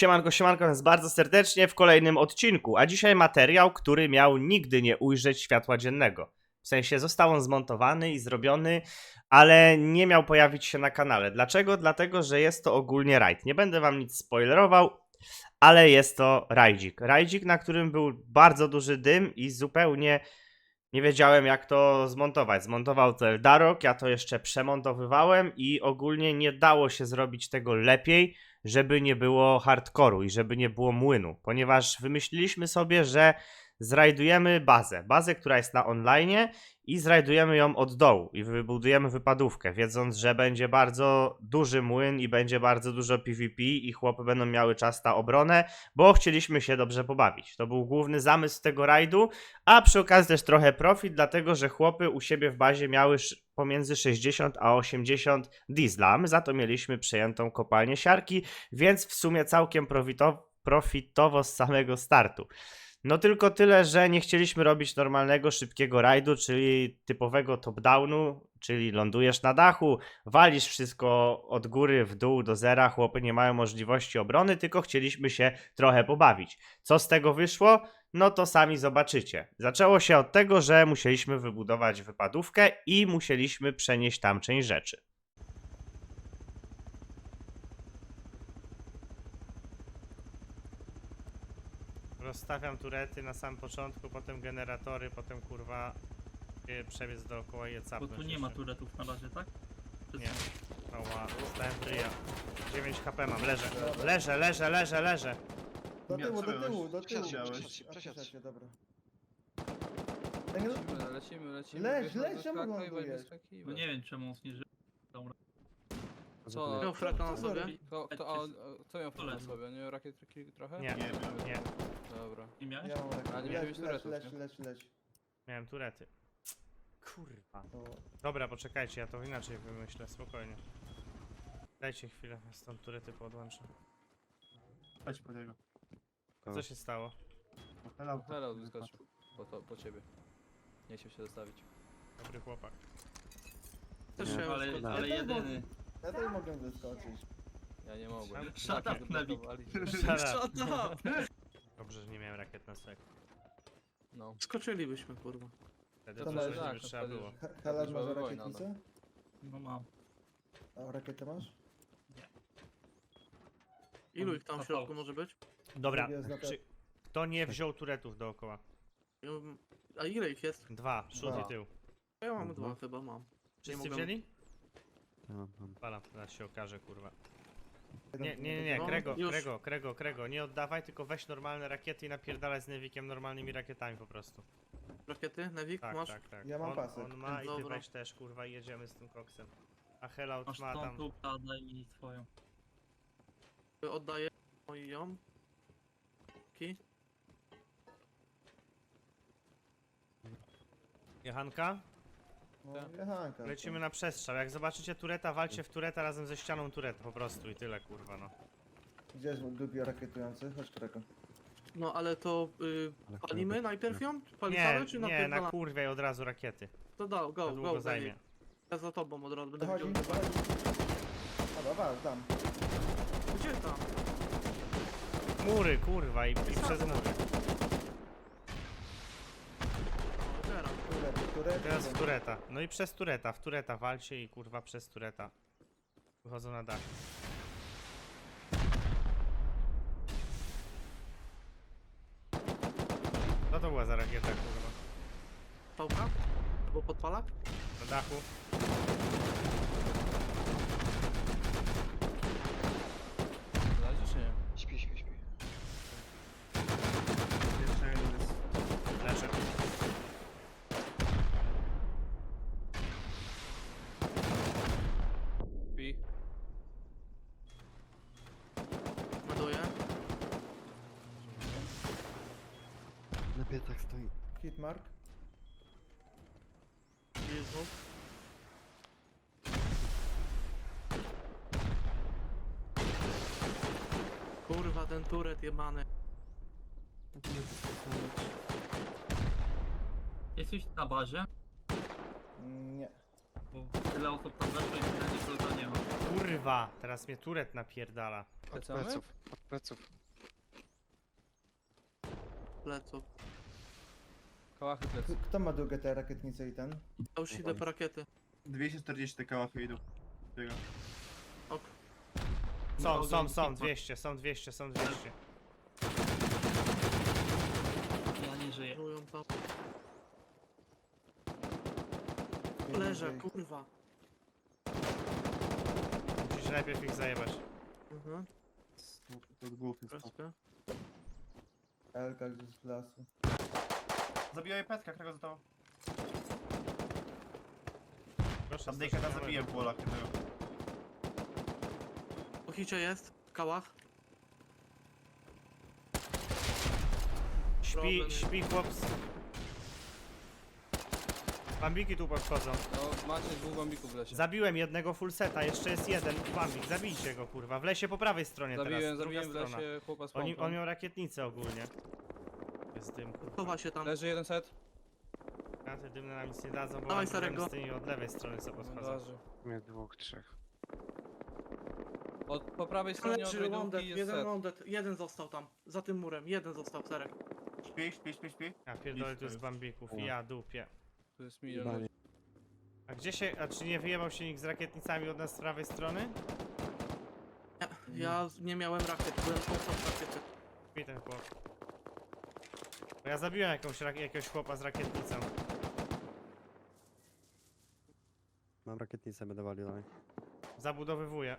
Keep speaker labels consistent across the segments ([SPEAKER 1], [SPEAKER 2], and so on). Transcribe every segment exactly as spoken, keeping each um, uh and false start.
[SPEAKER 1] Siemanko, siemanko nas bardzo serdecznie w kolejnym odcinku, a dzisiaj materiał, który miał nigdy nie ujrzeć światła dziennego. W sensie został on zmontowany i zrobiony, ale nie miał pojawić się na kanale. Dlaczego? Dlatego, że jest to ogólnie rajd. Nie będę wam nic spoilerował, ale jest to rajdzik. Rajdzik, na którym był bardzo duży dym i zupełnie nie wiedziałem, jak to zmontować. Zmontował to Eldarok, ja to jeszcze przemontowywałem i ogólnie nie dało się zrobić tego lepiej, żeby nie było hardkoru i żeby nie było młynu, ponieważ wymyśliliśmy sobie, że zrajdujemy bazę, bazę, która jest na online i zrajdujemy ją od dołu i wybudujemy wypadówkę, wiedząc, że będzie bardzo duży młyn i będzie bardzo dużo PvP i chłopy będą miały czas na obronę, bo chcieliśmy się dobrze pobawić. To był główny zamysł tego rajdu, a przy okazji też trochę profit, dlatego że chłopy u siebie w bazie miały pomiędzy sześćdziesiąt a osiemdziesiąt diesla, my za to mieliśmy przejętą kopalnię siarki, więc w sumie całkiem profitowo, profitowo z samego startu. No tylko tyle, że nie chcieliśmy robić normalnego, szybkiego rajdu, czyli typowego top-downu, czyli lądujesz na dachu, walisz wszystko od góry w dół do zera, chłopy nie mają możliwości obrony, tylko chcieliśmy się trochę pobawić. Co z tego wyszło? No to sami zobaczycie. Zaczęło się od tego, że musieliśmy wybudować wypadówkę i musieliśmy przenieść tam część rzeczy. Rozstawiam turety na samym początku, potem generatory, potem kurwa yy, przebiec dookoła i je
[SPEAKER 2] Bo
[SPEAKER 1] capnąć
[SPEAKER 2] tu nie
[SPEAKER 1] jeszcze.
[SPEAKER 2] ma turetów na razie, tak? Czy
[SPEAKER 1] Nie.
[SPEAKER 2] co?
[SPEAKER 1] Ała, dostałem tryja. dziewięć HP mam, leżę. Leżę, leżę, leżę, leżę.
[SPEAKER 3] Do
[SPEAKER 4] Miał-
[SPEAKER 3] tyłu,
[SPEAKER 4] co
[SPEAKER 3] do
[SPEAKER 4] miałeś?
[SPEAKER 3] tyłu, do tyłu.
[SPEAKER 4] Przesiadł się,
[SPEAKER 3] A,
[SPEAKER 4] przesiadł się.
[SPEAKER 3] przesiadł się, dobra. Ej, no,
[SPEAKER 5] Lecimy, lecimy, lecimy.
[SPEAKER 3] Leź,
[SPEAKER 5] wychodź,
[SPEAKER 3] leź, czemu
[SPEAKER 5] wyskakiwać,
[SPEAKER 3] lądujesz?
[SPEAKER 5] wyskakiwać.
[SPEAKER 2] No nie wiem czemu on nie żyje. Dobra.
[SPEAKER 5] Co?
[SPEAKER 3] Miał fraka na sobie?
[SPEAKER 5] Kto, kto, a, a, kto miał fraka na
[SPEAKER 2] Lecą.
[SPEAKER 5] sobie? Nie miał rakietki trochę?
[SPEAKER 1] Nie,
[SPEAKER 4] Nie,
[SPEAKER 1] nie.
[SPEAKER 5] Dobra.
[SPEAKER 2] Nie miałeś?
[SPEAKER 3] ja mam
[SPEAKER 5] A,
[SPEAKER 3] rakietę.
[SPEAKER 5] nie
[SPEAKER 3] Leć,
[SPEAKER 5] miałeś
[SPEAKER 3] leć,
[SPEAKER 5] turetów,
[SPEAKER 3] leć,
[SPEAKER 5] nie?
[SPEAKER 3] leć, leć.
[SPEAKER 1] Miałem turety. Kurwa.
[SPEAKER 3] To...
[SPEAKER 1] Dobra, poczekajcie, ja to inaczej wymyślę, spokojnie. Dajcie chwilę, ja stąd turety podłączę.
[SPEAKER 4] Chodź po niego.
[SPEAKER 1] Co się stało?
[SPEAKER 4] Hello.
[SPEAKER 5] Hello, wyskoczył. Po, to, po ciebie. Nie chciał się zostawić.
[SPEAKER 1] Dobry chłopak.
[SPEAKER 2] Też
[SPEAKER 4] Nie.
[SPEAKER 2] ale,
[SPEAKER 3] Ja
[SPEAKER 2] ale
[SPEAKER 3] też
[SPEAKER 2] jedyny.
[SPEAKER 3] Ja też mogę wyskoczyć.
[SPEAKER 5] Ja nie mogłem.
[SPEAKER 2] Shut
[SPEAKER 5] Tak,
[SPEAKER 2] up, Nabi.
[SPEAKER 5] zablokowali.
[SPEAKER 1] Shut
[SPEAKER 2] up!
[SPEAKER 1] Dobrze, że nie miałem rakiet na sek.
[SPEAKER 5] No.
[SPEAKER 2] Skoczylibyśmy, kurwa.
[SPEAKER 1] Wtedy
[SPEAKER 3] To
[SPEAKER 1] to,
[SPEAKER 3] na-
[SPEAKER 1] coś
[SPEAKER 5] tak,
[SPEAKER 1] by
[SPEAKER 5] to
[SPEAKER 1] trzeba
[SPEAKER 5] wtedy
[SPEAKER 1] było.
[SPEAKER 3] He- Helasz,
[SPEAKER 5] była
[SPEAKER 3] masz
[SPEAKER 5] wojna,
[SPEAKER 3] rakietnicę?
[SPEAKER 2] No mam.
[SPEAKER 3] A rakietę masz?
[SPEAKER 6] Ilu ich tam w
[SPEAKER 2] Zapał.
[SPEAKER 6] środku może być?
[SPEAKER 1] Dobra,
[SPEAKER 3] Drugi jest na te-
[SPEAKER 1] czy... kto nie wziął turetów dookoła?
[SPEAKER 6] Um, A ile ich jest?
[SPEAKER 1] Dwa, przód
[SPEAKER 3] Dwa.
[SPEAKER 1] i tył.
[SPEAKER 6] Ja mam
[SPEAKER 4] Dwa.
[SPEAKER 6] dwa chyba mam.
[SPEAKER 1] Wszyscy
[SPEAKER 6] mogę-
[SPEAKER 1] wzięli?
[SPEAKER 4] Ja mam.
[SPEAKER 1] Palam, teraz się okaże, kurwa.
[SPEAKER 3] Jeden-
[SPEAKER 1] Nie, nie, nie, nie,
[SPEAKER 6] No,
[SPEAKER 1] Krego,
[SPEAKER 6] już.
[SPEAKER 1] Krego, Krego, Krego, nie oddawaj, tylko weź normalne rakiety i napierdalaj z Nevikiem normalnymi rakietami po prostu.
[SPEAKER 6] Rakiety? Nevik,
[SPEAKER 1] Tak,
[SPEAKER 6] masz?
[SPEAKER 1] tak, tak.
[SPEAKER 3] Ja mam
[SPEAKER 1] on,
[SPEAKER 3] pasek.
[SPEAKER 1] on ma i ty
[SPEAKER 6] Dobra.
[SPEAKER 1] weź też, kurwa, i jedziemy z tym koksem. A Hellout
[SPEAKER 2] Masz
[SPEAKER 1] ma
[SPEAKER 2] tą
[SPEAKER 1] tam...
[SPEAKER 2] tu, daj mi twoją.
[SPEAKER 6] Oddaję moją. Ki.
[SPEAKER 1] Jechanka?
[SPEAKER 3] No, jechanka.
[SPEAKER 1] Lecimy na przestrzał. Jak zobaczycie tureta, walcie w tureta razem ze ścianą tureta po prostu i tyle, kurwa, no.
[SPEAKER 3] Gdzie jest drugi rakietujący? Chodź, Kreko.
[SPEAKER 6] No ale to y,
[SPEAKER 4] Ale
[SPEAKER 6] palimy
[SPEAKER 4] kurwa,
[SPEAKER 6] najpierw ją?
[SPEAKER 1] Nie,
[SPEAKER 6] Palisamy czy
[SPEAKER 1] nie, na
[SPEAKER 6] napierdalamy?
[SPEAKER 1] kurwie od razu rakiety.
[SPEAKER 6] To da,
[SPEAKER 1] To
[SPEAKER 6] go,
[SPEAKER 1] długo
[SPEAKER 6] go,
[SPEAKER 1] zajmie.
[SPEAKER 6] zajmie. Ja za tobą od razu będę
[SPEAKER 3] Dochodzi,
[SPEAKER 6] widział.
[SPEAKER 3] dochodzi. Dobra, was, dam.
[SPEAKER 6] Gdzie tam?
[SPEAKER 1] Mury, kurwa, i, i przez mury.
[SPEAKER 6] O, teraz.
[SPEAKER 3] Turety, turety.
[SPEAKER 1] Teraz w tureta. No i przez tureta, w tureta walcie i kurwa przez tureta. Wychodzą na dach. Co to była za rakieta, kurwa?
[SPEAKER 6] Pałka? Albo podpalak?
[SPEAKER 1] Na dachu?
[SPEAKER 5] Zależy czy nie?
[SPEAKER 4] Śpi, śpi, śpi.
[SPEAKER 6] Jeszcze jeden jest.
[SPEAKER 1] Leczę.
[SPEAKER 5] Pi.
[SPEAKER 6] Ładuję.
[SPEAKER 4] Na piecach stoi.
[SPEAKER 3] Hitmark.
[SPEAKER 6] Jezu. Kurwa, ten turet jebany.
[SPEAKER 2] Jesteś na bazie?
[SPEAKER 3] Nie.
[SPEAKER 2] Bo tyle osób tam weszło i tyle nikogo nie ma.
[SPEAKER 1] Kurwa, teraz mnie turet napierdala.
[SPEAKER 4] Od
[SPEAKER 5] Lecamy?
[SPEAKER 4] pleców, od pleców.
[SPEAKER 6] Pleców.
[SPEAKER 5] Kałachy
[SPEAKER 3] K-
[SPEAKER 5] plecy.
[SPEAKER 3] Kto ma drugie te rakietnice i ten?
[SPEAKER 6] Ja już idę po rakiety.
[SPEAKER 7] dwieście czterdzieści te kałachy idą. Biega.
[SPEAKER 6] Ok.
[SPEAKER 1] Są,
[SPEAKER 2] No,
[SPEAKER 1] są,
[SPEAKER 2] ogień
[SPEAKER 1] są,
[SPEAKER 2] kipa.
[SPEAKER 1] dwieście, są dwieście, są dwieście.
[SPEAKER 2] Ja nie żyję.
[SPEAKER 6] Żują tam.
[SPEAKER 3] Nie
[SPEAKER 6] Leżę,
[SPEAKER 3] wiem,
[SPEAKER 6] kurwa.
[SPEAKER 1] Musisz najpierw ich zajebać.
[SPEAKER 6] Mhm.
[SPEAKER 7] To od głów jest.
[SPEAKER 6] Troszkę.
[SPEAKER 3] Elka gdzieś z lasu.
[SPEAKER 7] Zabijaj petka, którego zostało.
[SPEAKER 1] Proszę,
[SPEAKER 7] Tam Dejka
[SPEAKER 1] strasznie
[SPEAKER 7] zabiję w polach jednego.
[SPEAKER 6] Po hicie jest. W kałach.
[SPEAKER 1] Śpi,
[SPEAKER 6] Problem.
[SPEAKER 1] śpi chłop. z- Bambiki tu podchodzą.
[SPEAKER 5] No, macie dwóch bambików w lesie.
[SPEAKER 1] Zabiłem jednego full seta, jeszcze jest jeden bambik. Zabijcie go, kurwa. W lesie po prawej stronie
[SPEAKER 5] Zabiłem,
[SPEAKER 1] teraz, druga
[SPEAKER 5] zabiłem w
[SPEAKER 1] strona.
[SPEAKER 5] lesie chłopa z
[SPEAKER 1] On,
[SPEAKER 5] pompą.
[SPEAKER 1] on miał rakietnicę ogólnie. Jest dym.
[SPEAKER 6] Chowa się tam.
[SPEAKER 5] Leży jeden set.
[SPEAKER 1] Granaty dymne nam nic nie dadzą, bo
[SPEAKER 6] Dawaj,
[SPEAKER 1] mam
[SPEAKER 6] starego.
[SPEAKER 1] problem z tymi od lewej strony co podchodzą.
[SPEAKER 5] Leży.
[SPEAKER 4] Mnie dwóch, trzech.
[SPEAKER 5] Od, po prawej stronie od
[SPEAKER 6] Leży
[SPEAKER 5] rajdówki
[SPEAKER 6] Wondet,
[SPEAKER 5] jest
[SPEAKER 6] jeden
[SPEAKER 5] set.
[SPEAKER 6] Wondet, jeden został tam. Za tym murem, jeden został, Serek.
[SPEAKER 7] Śpi, śpi, śpi, śpi.
[SPEAKER 1] Ja pierdolę tu jest bambików i ja dupie.
[SPEAKER 5] Tu jest milion
[SPEAKER 4] Jebanie.
[SPEAKER 5] ludzi.
[SPEAKER 1] A gdzie się, a czy nie wyjebał się nikt z rakietnicami od nas z prawej strony?
[SPEAKER 6] Nie, ja nie miałem rakiet, byłem poza rakiety.
[SPEAKER 1] Śpi ten chłop. Bo ja zabiłem jakąś, rak- jakiegoś chłopa z rakietnicą.
[SPEAKER 4] Mam rakietnicę, będę walił dalej.
[SPEAKER 1] Zabudowywuję.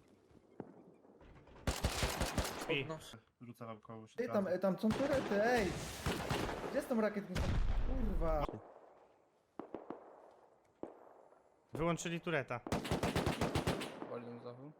[SPEAKER 1] Śpi.
[SPEAKER 6] Podnoszę.
[SPEAKER 7] Rzucę wam kogoś.
[SPEAKER 3] Ej, tam, e, tam są turety, ej! Gdzie jest tą rakietnicą? Kurwa.
[SPEAKER 1] Wyłączyli tureta.
[SPEAKER 5] Waliłem z dachu.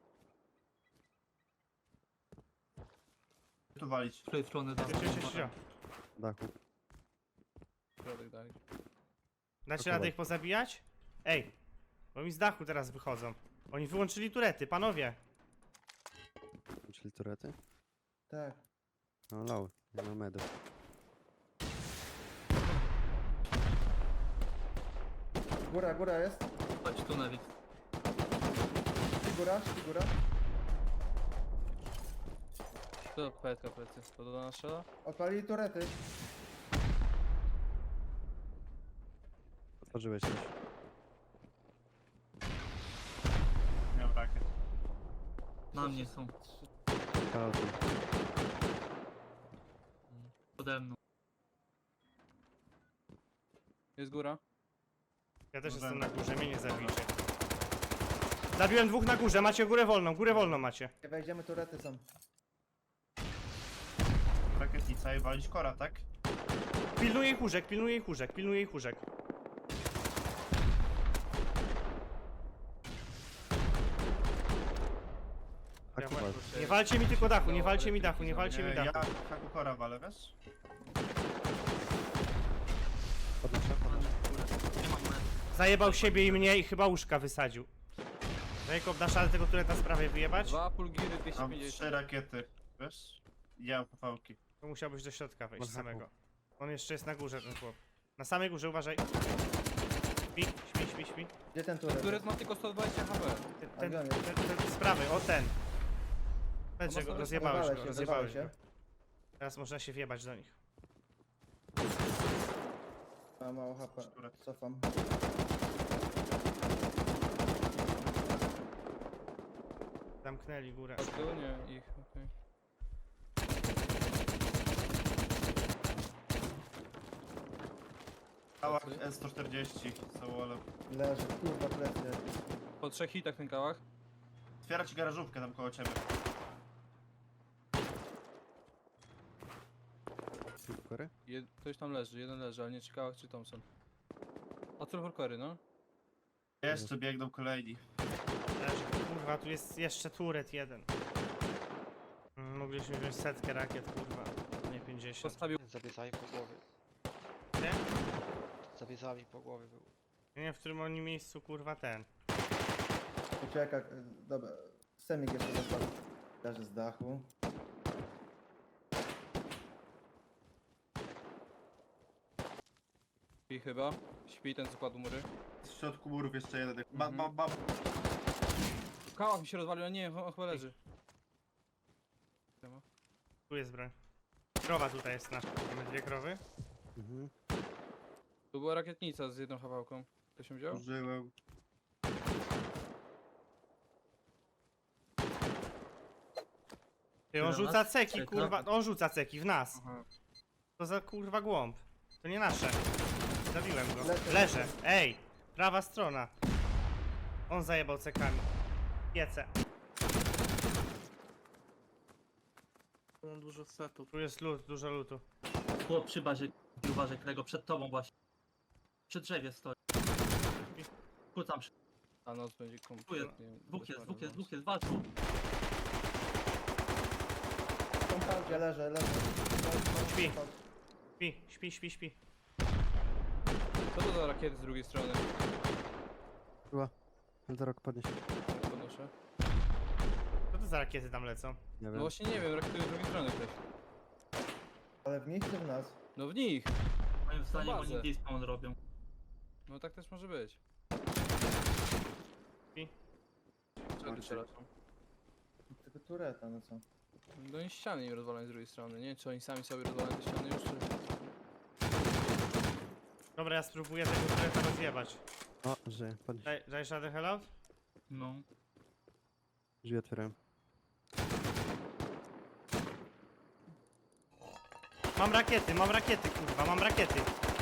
[SPEAKER 7] Tu walić.
[SPEAKER 2] Z tej strony tam.
[SPEAKER 1] Cio, cio, cio, cio.
[SPEAKER 4] Dachu.
[SPEAKER 5] Środek dalej.
[SPEAKER 1] Dacie
[SPEAKER 4] Dobra.
[SPEAKER 1] radę ich pozabijać? Ej, bo mi z dachu teraz wychodzą. Oni wyłączyli turety, panowie.
[SPEAKER 4] Czyli turety?
[SPEAKER 3] Tak.
[SPEAKER 4] No lały, nie ma medów.
[SPEAKER 3] Góra, góra jest.
[SPEAKER 2] Chodź tu, Nevik.
[SPEAKER 3] Śpi góra, śpi góra.
[SPEAKER 5] To petka plecy. To do nas strzela?
[SPEAKER 3] Odpalili turety.
[SPEAKER 4] Otworzyłeś coś.
[SPEAKER 7] Miał rakiet.
[SPEAKER 2] Na mnie są.
[SPEAKER 4] Kalty.
[SPEAKER 2] Pode mną.
[SPEAKER 5] Jest góra.
[SPEAKER 1] Ja też
[SPEAKER 7] Dobra.
[SPEAKER 1] jestem na górze, mnie nie zabijcie. Zabiłem dwóch na górze, macie górę wolną, górę wolną macie.
[SPEAKER 3] Jak wejdziemy, turety są.
[SPEAKER 7] Rakietnica i walić kora, tak?
[SPEAKER 1] Pilnuję ich łóżek, pilnuję ich łóżek, pilnuję ich łóżek. Ja
[SPEAKER 4] Dachu
[SPEAKER 1] wa-
[SPEAKER 4] wal.
[SPEAKER 1] Nie walcie mi tylko dachu, nie walcie mi dachu, nie walcie mi
[SPEAKER 7] Nie, ja
[SPEAKER 1] dachu.
[SPEAKER 7] haku kora walę, wiesz?
[SPEAKER 4] Podnoszę, podnoszę.
[SPEAKER 2] Nie mam net.
[SPEAKER 1] Zajebał siebie i mnie i chyba łóżka wysadził. Jacob, dasz ale tego tureta z prawej wyjebać?
[SPEAKER 5] Dwa pulgiry dwieście
[SPEAKER 7] Mam
[SPEAKER 5] pięćdziesiąt.
[SPEAKER 7] trzy rakiety, wiesz? Ja mam pałki.
[SPEAKER 1] To musiałbyś do środka wejść
[SPEAKER 4] Pod
[SPEAKER 1] samego.
[SPEAKER 4] dachu.
[SPEAKER 1] On jeszcze jest na górze, ten chłop. Na samej górze, uważaj. Śpi, śpi, śpi, śpi.
[SPEAKER 3] Gdzie ten turet?
[SPEAKER 5] Turet ma tylko sto dwadzieścia H P.
[SPEAKER 1] Ten,
[SPEAKER 3] A
[SPEAKER 1] ten,
[SPEAKER 3] gdzie on
[SPEAKER 1] ten,
[SPEAKER 3] jest?
[SPEAKER 1] ten z prawej, o ten. Powiedz, że
[SPEAKER 5] On ma
[SPEAKER 1] go
[SPEAKER 5] sobie-
[SPEAKER 1] rozjebałeś
[SPEAKER 3] Rozwalę
[SPEAKER 1] go,
[SPEAKER 3] się,
[SPEAKER 1] rozjebałeś
[SPEAKER 3] rozwalę
[SPEAKER 1] go.
[SPEAKER 3] się.
[SPEAKER 1] Teraz można się wjebać do nich.
[SPEAKER 3] Mam mało H P.
[SPEAKER 7] Turet.
[SPEAKER 3] Cofam.
[SPEAKER 1] Zamknęli górę.
[SPEAKER 5] A tu nie, ich, okej.
[SPEAKER 7] Kałach S sto czterdzieści, całole.
[SPEAKER 3] Leży, kurwa, plecy.
[SPEAKER 5] Po trzech hitach ten kałach.
[SPEAKER 7] Otwiera ci garażówkę tam koło ciebie.
[SPEAKER 4] Kory?
[SPEAKER 5] Jed ktoś tam leży, jeden leży, ale nie czy kałach czy Thompson. A co horkory, no?
[SPEAKER 7] Jeszcze biegną kolejni.
[SPEAKER 1] Leży. Kurwa, tu jest jeszcze turet jeden. Mm, Mogliśmy wziąć setkę rakiet, kurwa. Nie pięćdziesiąt.
[SPEAKER 5] Postawił.
[SPEAKER 8] Zabiezami po głowie.
[SPEAKER 1] Nie?
[SPEAKER 8] Zabiezami po głowie był.
[SPEAKER 1] Nie wiem, w którym oni miejscu, kurwa, ten.
[SPEAKER 3] Ucieka, e, dobra. Semik jeszcze dostał. Leży z dachu.
[SPEAKER 5] Śpi chyba. Śpi ten co kładł mury.
[SPEAKER 7] środku murów jeszcze jeden. Ba,
[SPEAKER 5] Mhm.
[SPEAKER 7] ba, ba.
[SPEAKER 5] Kałach mi się rozwalił, a nie, on chyba leży.
[SPEAKER 1] Tu jest broń. Krowa tutaj jest nasza. Mamy dwie krowy.
[SPEAKER 4] Mhm.
[SPEAKER 5] Tu była rakietnica z jedną chawałką. Ktoś się wziął?
[SPEAKER 7] Użyłem.
[SPEAKER 1] Ty, on
[SPEAKER 2] Tyle
[SPEAKER 1] rzuca
[SPEAKER 2] nas?
[SPEAKER 1] ceki,
[SPEAKER 2] Czeka.
[SPEAKER 1] kurwa. On rzuca ceki w nas.
[SPEAKER 5] Aha.
[SPEAKER 1] To za kurwa głąb. To nie nasze. Zabiłem go.
[SPEAKER 3] Lecę.
[SPEAKER 1] Leżę. Ej! Prawa strona. On zajebał cekami. Piece.
[SPEAKER 6] Mam dużo setów.
[SPEAKER 1] Tu jest lód, dużo lutu.
[SPEAKER 2] Chłop przy bazie, uważaj, którego przed tobą właśnie. Przy drzewie stoi. Kłócam przy...
[SPEAKER 5] A noc będzie
[SPEAKER 2] Tu jest,
[SPEAKER 5] kompletnie...
[SPEAKER 2] dwóch jest, dwóch jest,
[SPEAKER 5] bez
[SPEAKER 2] dwóch jest, walczą.
[SPEAKER 3] W kompoundzie leżę, leżę.
[SPEAKER 1] Śpi. Śpi, śpi, śpi, śpi.
[SPEAKER 5] Co to za rakiety z drugiej strony?
[SPEAKER 4] Była. Eldorok podnieś.
[SPEAKER 5] Podnoszę.
[SPEAKER 1] Co to za rakiety tam lecą?
[SPEAKER 4] Nie
[SPEAKER 5] No
[SPEAKER 4] wiem.
[SPEAKER 5] właśnie nie wiem, rakiety z drugiej strony ktoś.
[SPEAKER 3] Ale w nich czy w nas?
[SPEAKER 5] No w nich!
[SPEAKER 2] Moim zdaniem
[SPEAKER 5] bazę.
[SPEAKER 2] oni despawn robią.
[SPEAKER 5] No tak też może być.
[SPEAKER 1] I?
[SPEAKER 5] Co ty strzelasz?
[SPEAKER 3] Tylko tureta, no co?
[SPEAKER 5] No i ściany im rozwalają z drugiej strony. Nie wiem, czy oni sami sobie rozwalają te ściany już, czy...
[SPEAKER 1] Dobra, ja spróbuję tego tureta rozjebać.
[SPEAKER 4] O, żyje. Podnieś.
[SPEAKER 1] Daj, dajesz radę hellout?
[SPEAKER 2] No.
[SPEAKER 4] Drzwi otwierałem.
[SPEAKER 1] Mam rakiety, mam rakiety, kurwa, mam rakiety.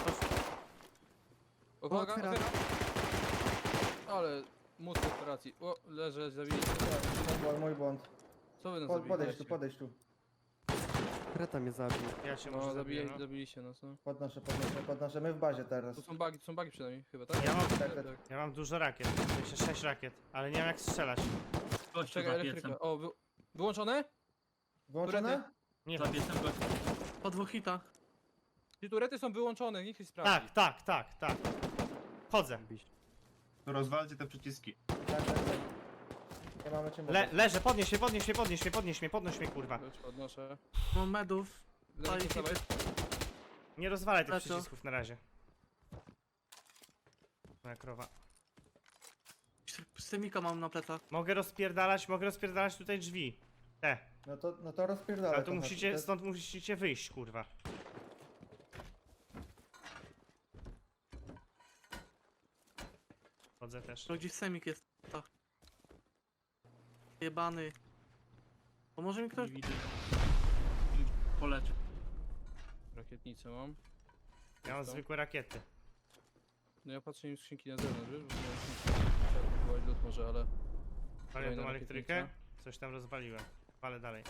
[SPEAKER 5] O, uwaga,
[SPEAKER 4] otwiera.
[SPEAKER 5] otwiera! Ale... Mózg operacji. O, leżę, zabili.
[SPEAKER 3] Mój błąd, mój błąd.
[SPEAKER 5] Co wy nas
[SPEAKER 3] Po,
[SPEAKER 5] zabili?
[SPEAKER 3] podejdź tu, podejdź tu.
[SPEAKER 4] Kreta mnie zabił.
[SPEAKER 1] Ja się
[SPEAKER 5] No,
[SPEAKER 1] może
[SPEAKER 5] zabili,
[SPEAKER 1] zabiję, no.
[SPEAKER 5] zabiliście nas, no.
[SPEAKER 3] Podnoszę, podnoszę, podnoszę. My w bazie teraz.
[SPEAKER 5] Tu są bagi, tu są bagi przynajmniej, chyba, tak?
[SPEAKER 1] Ja mam,
[SPEAKER 3] Tak, tak.
[SPEAKER 1] ja mam dużo rakiet, w sensie sześć rakiet, ale nie wiem jak strzelać.
[SPEAKER 2] Gościu
[SPEAKER 5] Czekaj,
[SPEAKER 2] za
[SPEAKER 5] elektryka.
[SPEAKER 2] piecem.
[SPEAKER 5] O, wy... wyłączone?
[SPEAKER 3] Włączone?
[SPEAKER 1] Nie
[SPEAKER 2] Za
[SPEAKER 1] wiem.
[SPEAKER 2] piecem gościu.
[SPEAKER 6] Po dwóch hitach.
[SPEAKER 5] Ci turety są wyłączone, niech się sprawdzi.
[SPEAKER 1] Tak, tak, tak, tak. Chodzę.
[SPEAKER 4] Biść.
[SPEAKER 7] To rozwalcie te przyciski.
[SPEAKER 3] Tak, tak, tak. Nie mamy czym
[SPEAKER 1] Le, leżę, podnieś mnie, podnieś mnie, podnieś mnie, podnieś mnie, podnoś mnie, kurwa.
[SPEAKER 5] Już podnoszę.
[SPEAKER 6] Mam medów.
[SPEAKER 5] Daj,
[SPEAKER 6] hity.
[SPEAKER 5] dawaj.
[SPEAKER 1] Nie rozwalaj tych
[SPEAKER 6] Lecę.
[SPEAKER 1] przycisków na razie. Moja krowa.
[SPEAKER 6] Stemika mam na plecach.
[SPEAKER 1] Mogę rozpierdalać, mogę rozpierdalać tutaj drzwi. Te.
[SPEAKER 3] No to, no to rozpierdolę.
[SPEAKER 1] Ale tu
[SPEAKER 3] to
[SPEAKER 1] musicie,
[SPEAKER 3] znaczy.
[SPEAKER 1] stąd musicie wyjść, kurwa. Chodzę też.
[SPEAKER 6] To gdzieś semik jest. Tak. Jebany. Pomoże mi ktoś?
[SPEAKER 2] Nie widzę. Poleczę.
[SPEAKER 5] Rakietnicę mam.
[SPEAKER 1] Ja mam
[SPEAKER 5] Co?
[SPEAKER 1] zwykłe rakiety.
[SPEAKER 5] No ja patrzę im skrzynki na zewnątrz, wiesz? Bo miałem skrzynki. Chciałem próbować lód może, ale...
[SPEAKER 1] Palę
[SPEAKER 5] Kolejna
[SPEAKER 1] tą elektrykę.
[SPEAKER 5] rakietnica.
[SPEAKER 1] Coś tam rozwaliłem. Palę dalej.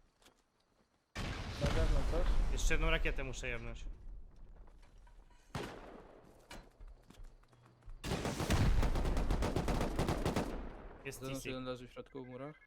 [SPEAKER 3] Na zewnątrz coś?
[SPEAKER 1] Jeszcze jedną rakietę muszę jebnąć. Jest
[SPEAKER 5] Zewnątrz
[SPEAKER 1] T C.
[SPEAKER 5] jeden leży w środku w murach.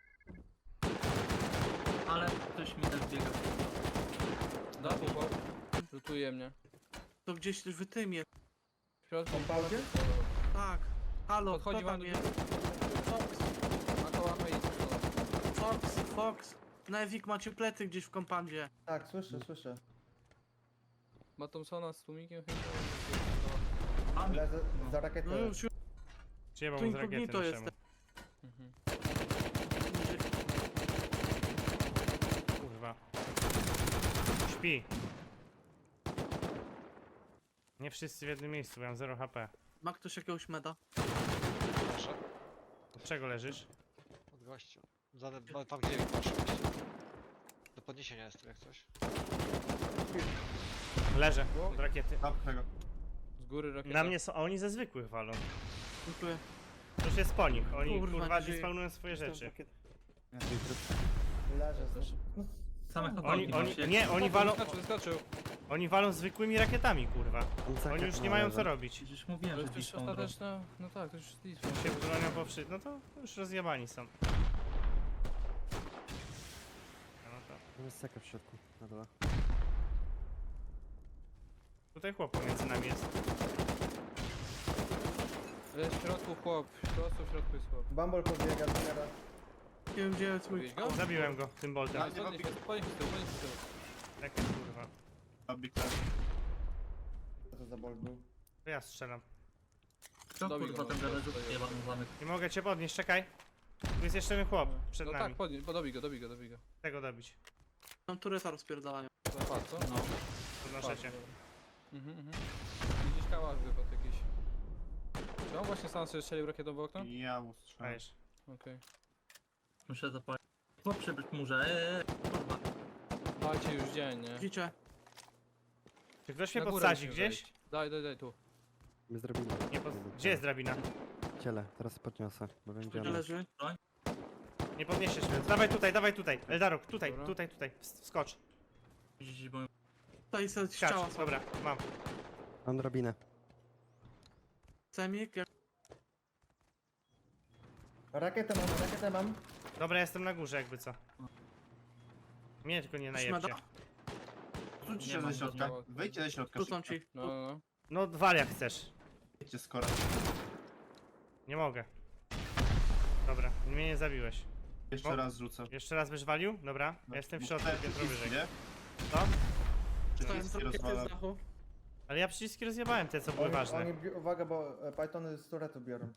[SPEAKER 2] Ale ktoś mi też biega.
[SPEAKER 5] Da, chłopak. Lutuje mnie.
[SPEAKER 6] To gdzieś w tym jest.
[SPEAKER 5] W środku.
[SPEAKER 3] W kompoundzie?
[SPEAKER 6] Tak. Halo,
[SPEAKER 5] Podchodzi
[SPEAKER 6] kto
[SPEAKER 5] wam
[SPEAKER 6] tam
[SPEAKER 5] do
[SPEAKER 6] jest? Fox,
[SPEAKER 5] A to łapę i strzela.
[SPEAKER 6] Fox, Fox. Nevik macie plety gdzieś w kompandzie.
[SPEAKER 3] Tak, słyszę, słyszę.
[SPEAKER 5] Ma Thompsona z tłumikiem chyba.
[SPEAKER 2] Mam
[SPEAKER 3] Lezę za rakietę.
[SPEAKER 6] No już, już.
[SPEAKER 1] Przyjebał
[SPEAKER 6] Tu
[SPEAKER 1] mu z rakiety
[SPEAKER 6] incognito
[SPEAKER 1] naszemu.
[SPEAKER 6] jest.
[SPEAKER 5] Mhm.
[SPEAKER 1] Kurwa. Śpi. Nie wszyscy w jednym miejscu, bo ja mam zero H P.
[SPEAKER 6] Ma ktoś jakiegoś meda?
[SPEAKER 8] Proszę.
[SPEAKER 1] Od czego leżysz?
[SPEAKER 8] Od gościu. Za, ba- tam gdzie masz oczywiście. Do podniesienia jestem jak coś.
[SPEAKER 1] Leżę. Od rakiety.
[SPEAKER 7] Zapchnę go.
[SPEAKER 5] Z góry rakieta.
[SPEAKER 1] Na mnie są, a oni ze zwykłych walą.
[SPEAKER 6] Dziękuję.
[SPEAKER 1] To już jest po nich. Oni
[SPEAKER 6] Kurwa,
[SPEAKER 1] kurwa
[SPEAKER 6] nie żyje.
[SPEAKER 1] spawnują swoje rzeczy.
[SPEAKER 3] Leżę. No,
[SPEAKER 2] same
[SPEAKER 1] Oni,
[SPEAKER 2] chłopaki
[SPEAKER 1] oni,
[SPEAKER 2] macie.
[SPEAKER 1] nie, oni walą,
[SPEAKER 5] Wyskoczył, wyskoczył.
[SPEAKER 1] oni walą zwykłymi rakietami, kurwa. Oni już nie mają co robić.
[SPEAKER 2] Przecież mówiłem,
[SPEAKER 5] To
[SPEAKER 2] że
[SPEAKER 5] jest już
[SPEAKER 2] despawn robią.
[SPEAKER 5] ostateczna... No tak, to już jest despawn.
[SPEAKER 1] Się bronią po wszy... No to już rozjebani są. No to.
[SPEAKER 4] Jest seka w środku. Na dole.
[SPEAKER 1] Tutaj chłop pomiędzy nami jest.
[SPEAKER 5] Jest w środku chłop. Prosto w środku jest chłop.
[SPEAKER 3] Bumble podbiega teraz.
[SPEAKER 6] Nie wiem gdzie jest mój
[SPEAKER 5] Widzisz go?
[SPEAKER 1] Zabiłem go tym boltem.
[SPEAKER 7] Tak.
[SPEAKER 5] Podnieś się, podnieś się z tyłu, podnieś się z tyłu.
[SPEAKER 1] Tak kurwa.
[SPEAKER 7] Bambik też.
[SPEAKER 3] Co to za bolt był?
[SPEAKER 1] To ja strzelam.
[SPEAKER 2] Co
[SPEAKER 5] Dobij
[SPEAKER 2] kurwa
[SPEAKER 5] go,
[SPEAKER 2] ten
[SPEAKER 5] no,
[SPEAKER 2] garażu
[SPEAKER 5] to jest-
[SPEAKER 2] jebany zamek.
[SPEAKER 1] Nie mogę cię podnieść, czekaj. Tu jest jeszcze jeden chłop przed
[SPEAKER 5] No
[SPEAKER 1] nami.
[SPEAKER 5] tak, podnieś, bo dobij go, dobij go, dobij go.
[SPEAKER 1] Tego dobić.
[SPEAKER 6] Tam tureta rozpierdalają.
[SPEAKER 5] Zapad, co?
[SPEAKER 2] No.
[SPEAKER 1] Podnoszę cię.
[SPEAKER 5] Mhm, mhm. Widzisz kałach wypadł jakiś. Czy on właśnie sam sobie strzelił rakietą w okno?
[SPEAKER 7] Ja mu strzelam.
[SPEAKER 1] Dajesz.
[SPEAKER 5] Okej.
[SPEAKER 2] Muszę zapalić. Chłop przy murze, eee, kurwa.
[SPEAKER 5] Dajcie już dzień, nie?
[SPEAKER 6] Widzicie?
[SPEAKER 1] Czy ktoś mnie
[SPEAKER 5] Na górę
[SPEAKER 1] podsadzi
[SPEAKER 5] musimy
[SPEAKER 1] gdzieś?
[SPEAKER 5] wejść. Daj, daj, daj, tu.
[SPEAKER 4] My zrobimy.
[SPEAKER 1] Nie pod... Gdzie jest drabina?
[SPEAKER 4] Ciele, teraz podniosę, bo wiem gdzie
[SPEAKER 6] Gdzie
[SPEAKER 4] ona.
[SPEAKER 6] leży?
[SPEAKER 1] Nie podniesiesz mnie. Dawaj tutaj, dawaj tutaj. Eldarok, tutaj,
[SPEAKER 5] Dobra.
[SPEAKER 1] tutaj, tutaj. Ws- Wskocz.
[SPEAKER 2] Widzisz, bo
[SPEAKER 6] Tutaj jest ściała.
[SPEAKER 1] Skacz. Dobra, mam.
[SPEAKER 4] Mam drabinę.
[SPEAKER 6] Semik, jak...
[SPEAKER 3] Rakietę mam, rakietę mam.
[SPEAKER 1] Dobra, jestem na górze jakby co. Mnie tylko nie najebcie.
[SPEAKER 6] meda?
[SPEAKER 7] Rzućcie
[SPEAKER 2] Nie
[SPEAKER 7] się
[SPEAKER 2] mam
[SPEAKER 7] ze środka.
[SPEAKER 5] żadnego.
[SPEAKER 7] Wyjdźcie ze środka.
[SPEAKER 6] Rzucam
[SPEAKER 7] szybko.
[SPEAKER 6] ci.
[SPEAKER 5] No, no, no.
[SPEAKER 1] No wal jak chcesz.
[SPEAKER 7] Wyjdźcie skoro.
[SPEAKER 1] Nie mogę. Dobra, mnie nie zabiłeś.
[SPEAKER 7] Jeszcze
[SPEAKER 1] O.
[SPEAKER 7] raz rzucę.
[SPEAKER 1] Jeszcze raz byś walił? Dobra, ja jestem w środku,
[SPEAKER 7] Te
[SPEAKER 1] piętro
[SPEAKER 7] przyciski,
[SPEAKER 1] wyżej.
[SPEAKER 7] nie?
[SPEAKER 1] Co?
[SPEAKER 6] Dostałem z
[SPEAKER 7] Przyciski
[SPEAKER 6] rakiety z
[SPEAKER 7] rozwalam.
[SPEAKER 6] dachu.
[SPEAKER 1] Ale ja przyciski rozjebałem te, co były
[SPEAKER 3] Oni,
[SPEAKER 1] ważne.
[SPEAKER 3] oni, bi- uwaga, bo e, Pythony z turetu biorą.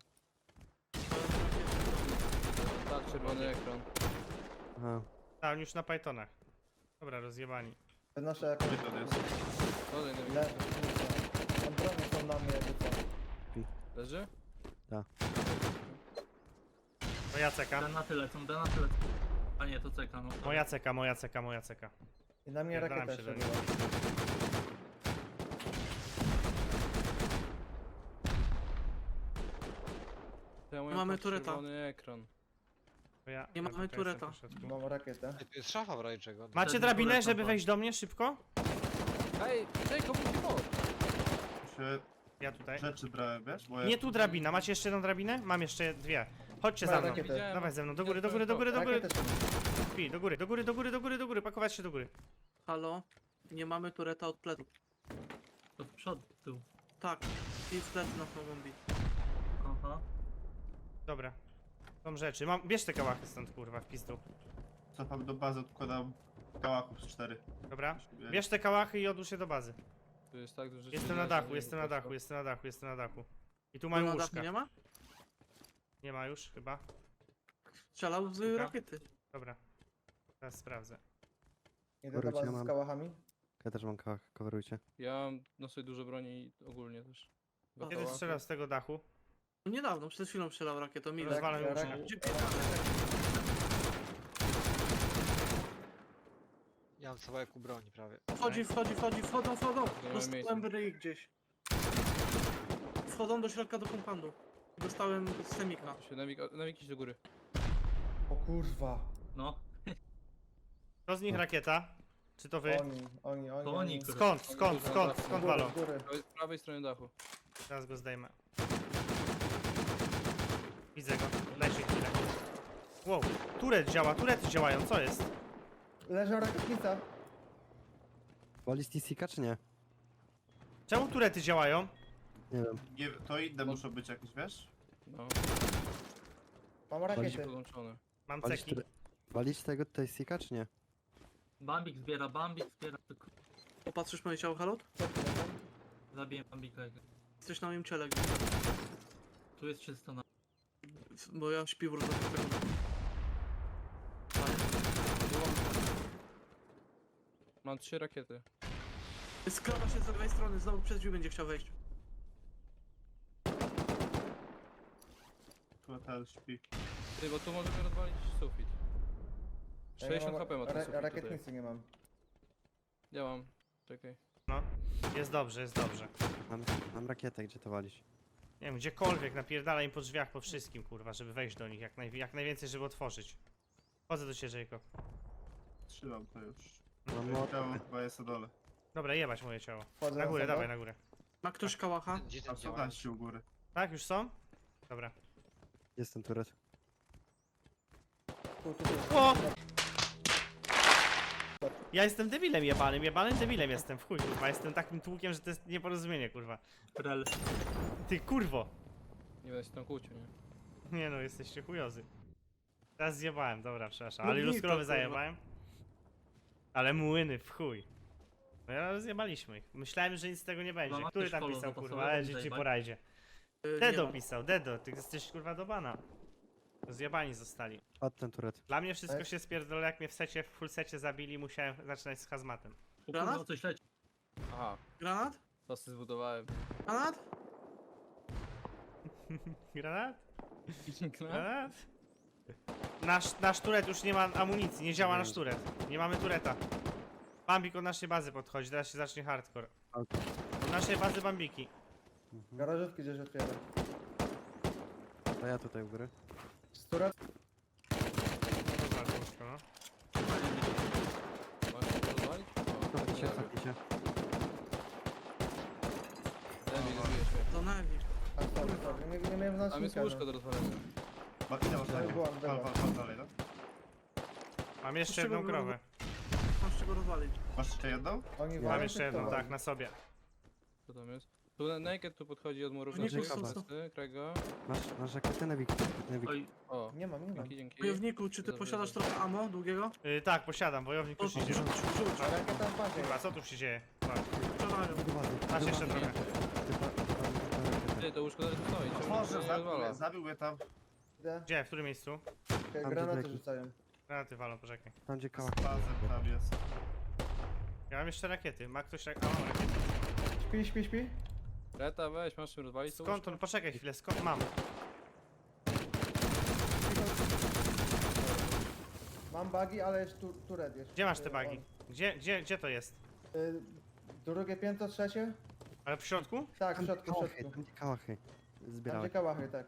[SPEAKER 5] Tak, czerwony ekran.
[SPEAKER 4] Aha.
[SPEAKER 1] Tak, już na Pythonach. Dobra, rozjebani.
[SPEAKER 3] Wynoszę jakąś...
[SPEAKER 7] Gdzie to jest?
[SPEAKER 5] Dodaj, dodaj.
[SPEAKER 3] Le... Tam broni są na mnie, jakby co.
[SPEAKER 5] Leży?
[SPEAKER 1] To ja ceka.
[SPEAKER 2] granaty lecą, granaty lecą. A nie, to czeka, no.
[SPEAKER 1] Moja ceka, moja ceka, moja ceka.
[SPEAKER 3] I na mnie
[SPEAKER 1] Pierdalam
[SPEAKER 3] rakieta
[SPEAKER 1] się
[SPEAKER 3] jeszcze
[SPEAKER 1] do
[SPEAKER 3] była.
[SPEAKER 5] To ja mówię,
[SPEAKER 6] Mamy
[SPEAKER 5] patrz,
[SPEAKER 6] tureta.
[SPEAKER 5] czerwony ekran.
[SPEAKER 1] To ja,
[SPEAKER 6] Nie
[SPEAKER 1] ja
[SPEAKER 6] mamy
[SPEAKER 1] tutaj
[SPEAKER 6] tureta.
[SPEAKER 1] jestem w środku.
[SPEAKER 3] Mam rakietę.
[SPEAKER 8] Ej, tu jest szafa w razie czego.
[SPEAKER 1] Macie
[SPEAKER 2] Wtedy
[SPEAKER 1] drabinę,
[SPEAKER 2] tureta
[SPEAKER 1] żeby
[SPEAKER 2] była.
[SPEAKER 1] wejść do mnie szybko?
[SPEAKER 5] Ej, Jacob, idź po!
[SPEAKER 7] Się
[SPEAKER 1] Ja tutaj.
[SPEAKER 7] rzeczy brałem, wiesz? Bo ja...
[SPEAKER 1] Nie tu drabina, macie jeszcze jedną drabinę? Mam jeszcze dwie. Chodźcie
[SPEAKER 3] Mam
[SPEAKER 1] za mną.
[SPEAKER 3] rakietę.
[SPEAKER 5] Widziałem.
[SPEAKER 1] Dawaj ze mną, do góry, do góry, do góry, do góry.
[SPEAKER 3] Rakietę się...
[SPEAKER 1] Pi, do góry, do góry, do góry, do góry, do góry, pakować się do góry.
[SPEAKER 6] Halo? Nie mamy tureta od plecu.
[SPEAKER 2] To w przód, tył.
[SPEAKER 6] Tak. I w plecy nas mogą bić.
[SPEAKER 2] Aha.
[SPEAKER 1] Dobra. Są rzeczy. Mam, bierz te kałachy stąd, kurwa, w pizdu.
[SPEAKER 7] Cofam do bazy, odkładam kałachów z cztery.
[SPEAKER 1] Dobra? Bierz te kałachy i odłóż je do bazy.
[SPEAKER 5] Tu jest tak dużo
[SPEAKER 1] Jestem na dachu, jestem na dachu, jestem na dachu, jestem na dachu. I tu
[SPEAKER 6] Tu
[SPEAKER 1] mają
[SPEAKER 6] na dachu
[SPEAKER 1] łóżka.
[SPEAKER 6] nie ma?
[SPEAKER 1] Nie ma już, chyba.
[SPEAKER 6] Strzelał z
[SPEAKER 1] Dobra.
[SPEAKER 6] rakiety.
[SPEAKER 1] Dobra. Teraz sprawdzę.
[SPEAKER 3] Idę do
[SPEAKER 4] Wróć, ja
[SPEAKER 3] bazy z
[SPEAKER 4] mam.
[SPEAKER 3] kałachami.
[SPEAKER 4] Ja też mam kałach, coverujcie.
[SPEAKER 5] Ja mam no sobie dużo broni i ogólnie też. Dwa
[SPEAKER 1] Kiedy
[SPEAKER 5] kałachy.
[SPEAKER 1] strzelał z tego dachu?
[SPEAKER 6] No niedawno, przed chwilą strzelał rakietą. Ile?
[SPEAKER 1] Rozwalam
[SPEAKER 3] rak-
[SPEAKER 1] łóżka.
[SPEAKER 6] Gdzie
[SPEAKER 8] Ja mam całego broni prawie.
[SPEAKER 6] Wchodzi, wchodzi, wchodzi, wchodzą, wchodzą.
[SPEAKER 5] mamy
[SPEAKER 6] Dostałem
[SPEAKER 5] miejsca.
[SPEAKER 6] ryj gdzieś. Wchodzą do środka do kompandu. Dostałem z semika.
[SPEAKER 5] Się Nawik, nawik idź do góry.
[SPEAKER 3] O kurwa.
[SPEAKER 2] No.
[SPEAKER 1] To z nich rakieta? Czy to wy?
[SPEAKER 3] Oni, oni, oni.
[SPEAKER 2] To oni, kurwa.
[SPEAKER 1] Skąd, skąd, skąd,
[SPEAKER 3] Z
[SPEAKER 1] skąd
[SPEAKER 3] góry,
[SPEAKER 1] walą?
[SPEAKER 3] z góry.
[SPEAKER 5] Prawej, z prawej strony dachu.
[SPEAKER 1] Teraz go zdejmę. Widzę go, dajcie chwilę. Wow, turet działa, turety działają, co jest?
[SPEAKER 3] Leży rakietnica.
[SPEAKER 4] Ballistica czy nie?
[SPEAKER 1] Czemu turety działają?
[SPEAKER 4] Nie wiem.
[SPEAKER 7] Nie, to inne muszą być jakieś, wiesz?
[SPEAKER 5] No,
[SPEAKER 3] Mam
[SPEAKER 5] będzie
[SPEAKER 3] rakiety.
[SPEAKER 5] podłączone.
[SPEAKER 1] Mam
[SPEAKER 4] Walić,
[SPEAKER 1] ceki.
[SPEAKER 4] tyle- walić tego tutaj sika czy nie?
[SPEAKER 2] Bambik zbiera, Bambik zbiera. Tylko
[SPEAKER 6] Popatrzysz moje ciało, Halot?
[SPEAKER 2] zabiję Bambika.
[SPEAKER 6] Jesteś na moim ciele gdzieś.
[SPEAKER 2] Tu jest czysto na...
[SPEAKER 6] Bo ja śpię w różnych
[SPEAKER 5] Mam trzy rakiety.
[SPEAKER 6] Skrawa się z lewej strony, znowu przez drzwi będzie chciał wejść.
[SPEAKER 7] Tu ten śpi.
[SPEAKER 5] Ty, bo tu możemy rozwalić sufit.
[SPEAKER 3] Ja nie
[SPEAKER 5] sześćdziesiąt
[SPEAKER 3] mam-
[SPEAKER 5] HP ma ten
[SPEAKER 3] ra-
[SPEAKER 5] sufit tutaj.
[SPEAKER 3] Rakietnicy nie mam.
[SPEAKER 5] Ja mam. Czekaj.
[SPEAKER 1] No, jest dobrze, jest dobrze.
[SPEAKER 4] Mam, mam rakietę, gdzie to walić?
[SPEAKER 1] Nie wiem, gdziekolwiek, napierdalaj im po drzwiach, po wszystkim, kurwa, żeby wejść do nich, jak, naj, jak najwięcej, żeby otworzyć. Chodzę do ciebie, Jacob.
[SPEAKER 7] Trzymam to już.
[SPEAKER 4] Mam
[SPEAKER 7] Ciało
[SPEAKER 4] młot.
[SPEAKER 7] chyba jest na dole.
[SPEAKER 1] Dobra, jebać moje ciało.
[SPEAKER 3] Wchodzę
[SPEAKER 1] Na górę,
[SPEAKER 3] sobie.
[SPEAKER 1] dawaj, na górę.
[SPEAKER 6] Ma ktoś kałacha?
[SPEAKER 8] Gdzie
[SPEAKER 7] A
[SPEAKER 8] ten
[SPEAKER 7] są
[SPEAKER 8] działa?
[SPEAKER 7] nasi u góry.
[SPEAKER 1] Tak, już są? Dobra.
[SPEAKER 4] Jest ten turet.
[SPEAKER 3] Tu, tu, tu.
[SPEAKER 1] O! Ja jestem debilem jebanym, jebanym debilem jestem, w chuj, kurwa, jestem takim tłukiem, że to jest nieporozumienie, kurwa.
[SPEAKER 2] Rel.
[SPEAKER 1] Ty, kurwo!
[SPEAKER 5] Nie będę się tam kłócił, nie?
[SPEAKER 1] Nie no, jesteście chujozy. Teraz zjebałem, dobra, przepraszam,
[SPEAKER 6] No
[SPEAKER 1] ale
[SPEAKER 6] git
[SPEAKER 1] ilu
[SPEAKER 6] to,
[SPEAKER 1] skrowy
[SPEAKER 6] kurwa.
[SPEAKER 1] zajebałem? Ale młyny, w chuj. No ja rozjebaliśmy ich. Myślałem, że nic z tego nie będzie.
[SPEAKER 2] Mama
[SPEAKER 1] Który
[SPEAKER 2] też
[SPEAKER 1] tam
[SPEAKER 2] follow
[SPEAKER 1] pisał,
[SPEAKER 2] zapasowe,
[SPEAKER 1] kurwa, ale
[SPEAKER 2] będzie
[SPEAKER 1] dzieci
[SPEAKER 2] zajebać.
[SPEAKER 1] po rajdzie.
[SPEAKER 6] Yy, nie
[SPEAKER 1] Dedo
[SPEAKER 6] ma.
[SPEAKER 1] pisał, Dedo, ty jesteś kurwa do bana. Zjebani zostali.
[SPEAKER 4] Od ten turet.
[SPEAKER 1] Dla mnie wszystko
[SPEAKER 3] Tak.
[SPEAKER 1] się spierdolę, jak mnie w secie, w full secie zabili, musiałem zaczynać z hazmatem.
[SPEAKER 2] O
[SPEAKER 6] Granat?
[SPEAKER 2] kurwa, coś leci.
[SPEAKER 5] Aha,
[SPEAKER 6] Granat?
[SPEAKER 5] to sobie zbudowałem.
[SPEAKER 6] Granat?
[SPEAKER 1] Granat?
[SPEAKER 5] No.
[SPEAKER 1] Granat? Nasz, nasz turet już nie ma amunicji, nie działa nasz turet. Nie mamy tureta. Bambik od naszej bazy podchodzi, teraz się zacznie hardcore.
[SPEAKER 4] Auto.
[SPEAKER 1] Od naszej bazy bambiki.
[SPEAKER 4] Mhm.
[SPEAKER 3] Garażówki gdzieś otwieram.
[SPEAKER 4] To ja tutaj u góry.
[SPEAKER 3] Stura?
[SPEAKER 1] Rozwal to łóżko, no.
[SPEAKER 5] Masz to rozwalić? O,
[SPEAKER 4] Cofnij się,
[SPEAKER 5] nie
[SPEAKER 4] cofnij się.
[SPEAKER 5] Lepiej, zbijesz mnie.
[SPEAKER 6] To Nevi.
[SPEAKER 3] A sorry, sorry, nie, nie miałem
[SPEAKER 5] Tam jest
[SPEAKER 3] znacznika.
[SPEAKER 5] łóżko do rozwalenia.
[SPEAKER 7] Makina ostatnia.
[SPEAKER 3] byłam,
[SPEAKER 7] Wal,
[SPEAKER 3] byłam.
[SPEAKER 7] wal, wal dalej, no.
[SPEAKER 1] Mam jeszcze
[SPEAKER 6] Dlaczego
[SPEAKER 1] jedną
[SPEAKER 6] było-
[SPEAKER 1] krowę.
[SPEAKER 6] Masz czego rozwalić.
[SPEAKER 7] Masz jeszcze jedną?
[SPEAKER 3] Oni
[SPEAKER 1] Mam
[SPEAKER 3] walą,
[SPEAKER 1] jeszcze
[SPEAKER 3] czy
[SPEAKER 1] jedną,
[SPEAKER 3] kto
[SPEAKER 1] tak,
[SPEAKER 3] wali?
[SPEAKER 1] na sobie.
[SPEAKER 5] Co tam jest? Tu Naked tu podchodzi od murów
[SPEAKER 6] Nie,
[SPEAKER 5] naszych.
[SPEAKER 6] po prostu.
[SPEAKER 5] Prosty, Krego.
[SPEAKER 4] Masz, masz rakietę Nevik. Nevik.
[SPEAKER 2] Oj,
[SPEAKER 5] O,
[SPEAKER 3] Nie mam, nie mam.
[SPEAKER 5] dzięki, dzięki.
[SPEAKER 6] Wojowniku, czy ty
[SPEAKER 5] Dobrze,
[SPEAKER 6] posiadasz
[SPEAKER 5] dobrze.
[SPEAKER 6] trochę ammo długiego?
[SPEAKER 1] Yy, tak, posiadam, wojownik
[SPEAKER 6] To
[SPEAKER 1] już
[SPEAKER 6] rzuć,
[SPEAKER 1] idzie.
[SPEAKER 6] rzuć, rzuć.
[SPEAKER 3] A rakieta w bazie.
[SPEAKER 1] Kurwa, co tu się dzieje? Patrz,
[SPEAKER 6] Strzelają.
[SPEAKER 4] Do bazy.
[SPEAKER 1] Masz
[SPEAKER 4] Do
[SPEAKER 1] jeszcze
[SPEAKER 4] bazy.
[SPEAKER 1] trochę.
[SPEAKER 4] Typa- typa- typa-
[SPEAKER 5] Ty, to łóżko zaraz tu stoi, czemu
[SPEAKER 7] Może,
[SPEAKER 5] to nie
[SPEAKER 7] zabił
[SPEAKER 5] rozwala?
[SPEAKER 7] mnie, zabił mnie tam.
[SPEAKER 3] Idę.
[SPEAKER 1] Gdzie? W którym miejscu?
[SPEAKER 3] Okej,
[SPEAKER 4] Tam
[SPEAKER 3] granaty
[SPEAKER 4] gdzie
[SPEAKER 3] rzucają.
[SPEAKER 1] Granaty walą, poczekaj.
[SPEAKER 4] Tam gdzie
[SPEAKER 7] Z
[SPEAKER 4] kałach.
[SPEAKER 7] bazem tam jest.
[SPEAKER 1] Ja mam jeszcze rakiety. Ma ktoś rak... A, mam rakiety.
[SPEAKER 3] Śpi, śpi, śpi.
[SPEAKER 5] Reta, weź, masz czym rozwalić to
[SPEAKER 1] Skąd
[SPEAKER 5] łóżko?
[SPEAKER 1] on? Poczekaj chwilę, skąd mam?
[SPEAKER 3] Mam bagi, ale jest tu, turet jeszcze.
[SPEAKER 1] Gdzie masz te
[SPEAKER 3] Y,
[SPEAKER 1] bagi? Gdzie, gdzie, gdzie to jest?
[SPEAKER 3] on. Y, drugie piętro, trzecie?
[SPEAKER 1] Ale w środku?
[SPEAKER 3] Tak, w
[SPEAKER 4] Tam gdzie
[SPEAKER 3] środku, w
[SPEAKER 4] kałachy,
[SPEAKER 3] środku.
[SPEAKER 4] tam gdzie kałachy.
[SPEAKER 3] Tam
[SPEAKER 4] Zbierałem.
[SPEAKER 3] gdzie kałachy, tak.